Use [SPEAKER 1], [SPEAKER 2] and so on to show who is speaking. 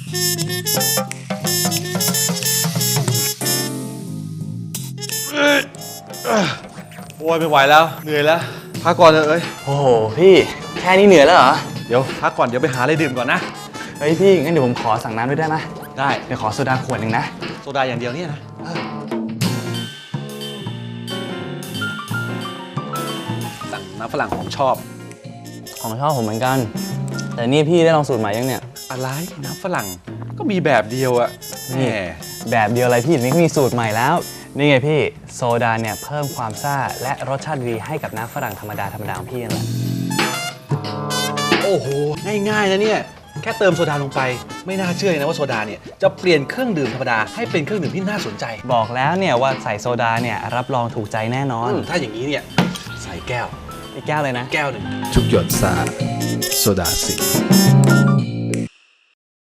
[SPEAKER 1] โอ้ยไม่ไหวแล้วเหนื่อยแล้วพักก่อนเถอะเอ้ย
[SPEAKER 2] โอ้โหพี่แค่นี้เหนื่อยแล้วเหรอ
[SPEAKER 1] เดี๋ยวพักก่อนเดี๋ยวไปหาอะไรดื่มก่อนนะ
[SPEAKER 2] เฮ้ยพี่งั้นเดี๋ยวผมขอสั่งน้ำด้วยได้ไหม
[SPEAKER 1] ได้
[SPEAKER 2] เดี๋ยวขอโซดาขวดหนึ่งนะ
[SPEAKER 1] โซดาอย่างเดียวเนี่ยนะสั่งน้ำฝรั่งของชอบ
[SPEAKER 2] ของชอบผมเหมือนกัน แต่นี่พี่ได้ลองสูตรใหม่ยังเนี่ย
[SPEAKER 1] อะไรน้ำฝรั่งก็มีแบบเดียวอะแหม
[SPEAKER 2] แบบเดียวอะไรพี่นี่มีสูตรใหม่แล้วนี่ไงพี่โซดาเนี่ยเพิ่มความซ่าและรสชาติดีให้กับน้ำฝรั่งธรรมดาของพี่นั่นแหละ
[SPEAKER 1] โอ้โหง่ายๆนะเนี่ยแค่เติมโซดาลงไปไม่น่าเชื่อเลยนะว่าโซดาเนี่ยจะเปลี่ยนเครื่องดื่มธรรมดาให้เป็นเครื่องดื่มที่น่าสนใจ
[SPEAKER 2] บอกแล้วเนี่ยว่าใส่โซดาเนี่ยรับรองถูกใจแน่นอน
[SPEAKER 1] ถ้าอย่างนี้เนี่ยใส่แก้ว
[SPEAKER 2] อีกแก้วเลยนะ
[SPEAKER 1] แก้วหนึ่ง
[SPEAKER 3] ทุกหยดสาโซดาสี